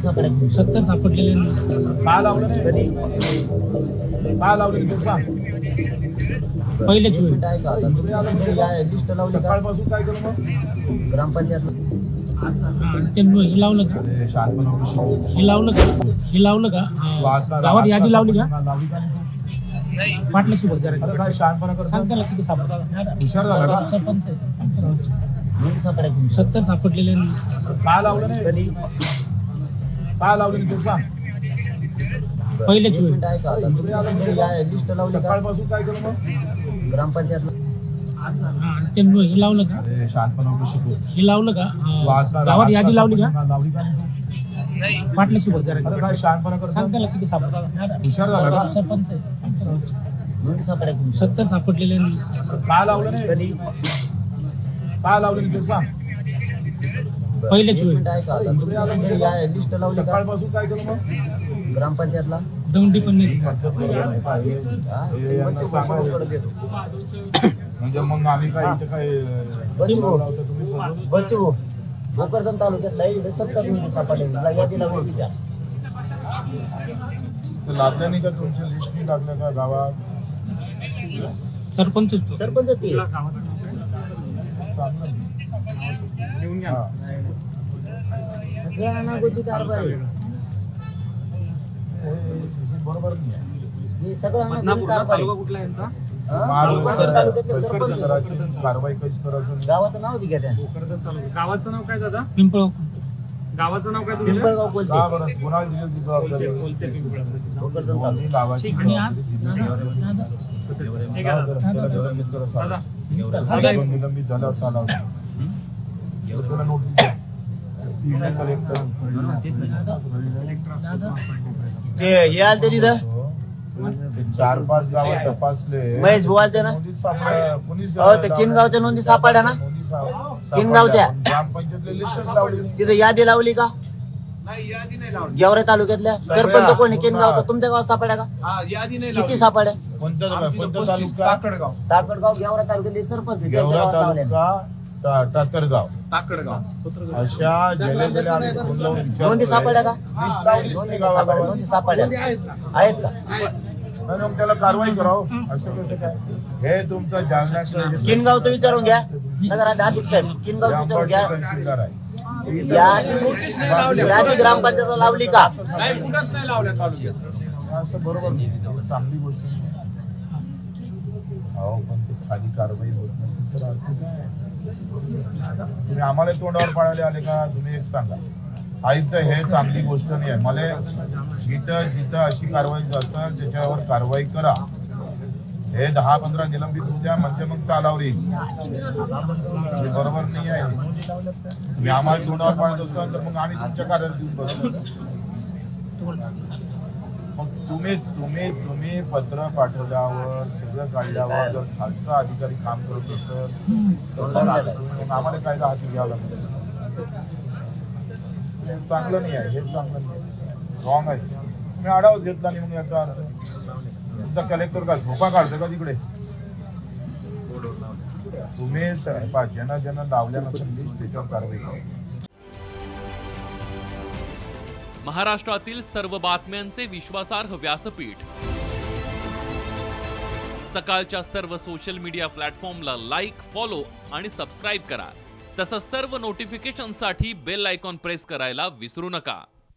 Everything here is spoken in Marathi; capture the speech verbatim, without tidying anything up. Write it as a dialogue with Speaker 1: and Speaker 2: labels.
Speaker 1: सत्तर सापडलेले
Speaker 2: काय लावलं नाही कधी काय लावलं ते सांग.
Speaker 1: पहिलेच वेळ
Speaker 2: तुम्ही आला लिस्ट लावली सकाळपासून काय केलं मग ग्रामपंचायत
Speaker 1: ते हे लावलं का हे लावलं का हे लावलं का गावात यादी लावली का पाटलाची बघ जरा
Speaker 2: काय शहाणपणा करतो
Speaker 1: सांग त्याला किती सापडतात
Speaker 2: हुशार झाला का
Speaker 1: सरपंच आहे आमच्या गावचे. सत्तर सापडलेले
Speaker 2: काय लावलं नाही कधी काय लावलं ते सांग.
Speaker 1: पहिलेच वेळ
Speaker 2: तुम्ही आला लिस्ट लावली सकाळपासून काय केलं मग ग्रामपंचायत
Speaker 1: ते हे लावलं का
Speaker 2: शहाणपणा शिकू
Speaker 1: हे लावलं का गावात यादी लावली का
Speaker 2: लावली का
Speaker 1: पाटलाची बघ जरा
Speaker 2: काय शहाणपणा करतो
Speaker 1: सांग त्याला किती सापडतात
Speaker 2: हुशार झाला का
Speaker 1: सरपंच आहे आमच्या गावचे. सत्तर सापडलेले
Speaker 2: काय लावलं नाही कधी काय लावलं ते सांग.
Speaker 1: पहिलेच वेळ
Speaker 2: तुम्ही आला लिस्ट लावली सकाळपासून काय केलं मग ग्रामपंचायतला
Speaker 1: दौंडी पण नाही
Speaker 2: म्हणजे मग आम्ही काय इथे काय
Speaker 3: बच्चू भोकरदन तालुक्यातला सत्तर नोंदी सापडल्या यादीला विचार
Speaker 2: लागल्या नाही का तुमच्या लिस्ट नाही लागल्या का गावात
Speaker 1: सरपंच
Speaker 3: सरपंच ते सगळ्या अनागोती कारभार आहे.
Speaker 2: बरोबर नाही
Speaker 3: हे सगळं अनागोती कारभार आहे.
Speaker 1: कुठला यांचा
Speaker 3: भोकरदन तालुक्यातले सरपंच
Speaker 2: कारवाई कशी करायचं
Speaker 3: गावाचं नाव बी घ्या त्यांचं
Speaker 4: गावाचं नाव काय दादा
Speaker 1: पिंपळ
Speaker 4: गावाचं नाव काय तुमच्या
Speaker 3: पिंपळगाव बोलते
Speaker 2: का बरं कोणाला दिली ती जबाबदारी
Speaker 3: भोकरदन तालुका
Speaker 2: दोन्ही गावाची
Speaker 1: आणि आज
Speaker 4: हे घ्या दादा.
Speaker 2: त्याला निलंबित करा सांग.
Speaker 4: दादा
Speaker 2: दोन निलंबित झाल्यावर त्याला लावतो. त्याला नोटीस द्या. email कलेक्टर
Speaker 3: ते हे आलते तिथं
Speaker 2: ते चार पाच गावात तपासले
Speaker 3: महेश भाऊ आलते ना
Speaker 2: नोटीस सापडल्या. कोणीच
Speaker 3: हो ते किनगावच्या नोंदी सापडल्या ना
Speaker 2: नोटीस सापडल्या.
Speaker 3: किनगावच्या?
Speaker 2: ग्रामपंचायतले लिस्टच लावली
Speaker 3: तिथं यादी लावली का गेवरे तालुक्यातल्या सरपंच कोणी किनगावचा तुमच्या गावात सापड्या का किती सापड्या
Speaker 2: कोणत्या कोणता तालुका
Speaker 3: ताकडगाव गेवरा तालुक्यातले सरपंच त्यांच्या
Speaker 2: गेवरा
Speaker 3: गावात लावले
Speaker 2: तालुका टा- टाकरगाव
Speaker 4: ताकडगाव
Speaker 2: अशा गेल्या गेल्या आम्ही फोन लावून विचारतोय.
Speaker 3: नोंदी सापडल्या का
Speaker 2: लिस्ट लावली
Speaker 3: नोंदी
Speaker 2: नाही
Speaker 3: नाही सापडल्या
Speaker 2: गावागावात.
Speaker 3: नोंदी सापडल्या आहेत का
Speaker 2: नाही, मग त्याला कारवाई करावं असं कसं काय हे तुमचं जालन्याचं
Speaker 3: किनगावचं विचारून घ्या नगरात अधिक साहेब किनगावचं विचारून घ्या
Speaker 2: तहसीलदार आहे
Speaker 3: यादी यादी ग्रामपंचायत लावली का
Speaker 2: असं बरोबर नाही. चांगली गोष्ट नाही. अहो पण ते खाली कारवाई होत नसेल तर अर्थ काय? तुम्ही आम्हाला तोंडावर पाळायला आले का तुम्ही एक सांगा आयुक्त हे चांगली गोष्ट नाही आहे मला जिथं जिथं अशी कारवाई असेल त्याच्यावर कारवाई करा हे दहा पंधरा निलंबित होऊ द्या म्हणजे मग चालावर येईल हे बरोबर नाही आहे तुम्ही आम्हाला तोंडावर पाळत असाल तर मग आम्ही तुमच्या कार्यालयात येऊन बसू मग तुम्ही तुम्ही तुम्ही पत्र पाठवल्यावर सगळं काढल्यावर जर खालचा अधिकारी काम करत असेल तर मग आम्हाला कायदा हाती घ्यावा लागतो हे चांगलं नाही आहे हे चांगलं नाही रॉंग आहे तुम्ही आढावाच घेतला नाही मग याचा अर्थ तुमचा कलेक्टर का झोपा काढतो का तिकडे तुम्ही ज्यांना ज्यांना लावल्या नसेल त्याच्यावर कारवाई करा
Speaker 5: महाराष्ट्रातील सर्व बातम्यांचे विश्वासार्ह व्यासपीठ सकाळच्या सर्व सोशल मीडिया प्लॅटफॉर्मला लाईक फॉलो आणि सबस्क्राईब करा तसंच सर्व नोटिफिकेशनसाठी बेल आयकॉन प्रेस करायला विसरू नका.